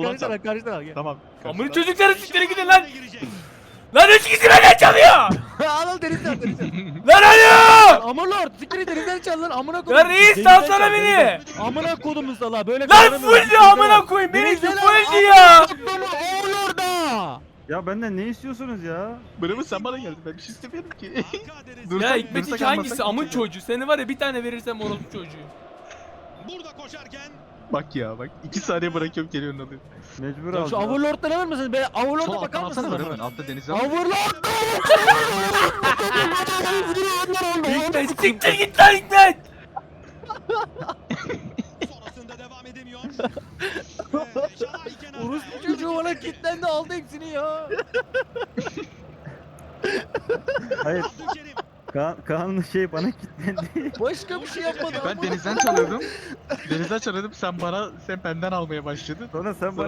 ulan karşıdan sen. al karşıdan al. Gel. Tamam. Amına çocukları siktirin gidin lan. Lan 3 kişi benden çalıyor. Al denizden al denizden. Lan alo. Aman lord siktir denizden çal lan amına kodum. Lan reis Denizden salsana çal, beni. denizden. Amına kodum sala böyle Lan kazanamıyorum. full diyor amına koyayım. Beni Denizden al, full amına diyor. kodumu oğul orada. Ya benden ne istiyorsunuz ya? Bravo sen bana geldin. Ben bir şey istemiyorum ki. Ya Hikmet hangisi amın çocuğu? Seni var ya bir tane verirsem orospu çocuğu. Burada koşarken Bak ya bak. 2 saniye bırakıyorum geliyorsun alıyor. Mecbur Ya şu alacağım. Overlord'dan alır mısınız? Ben Sol Overlord'a alttan bakar alsana mısınız? var hemen. Altta denize al. Overlord! Hikmet siktir git lan Hikmet. sonrasında devam edemiyor. Ve Şalay kenarda. Orospu çocuğu bana kilitlendi aldı hepsini ya. Hayır, Abdülkerim. Kaan'ın şey bana kilitlendi. Başka bir şey yapmadı. Ben denizden çalıyordum. Denizden çalıyordum. Sen benden almaya başladın. Sonra sen bana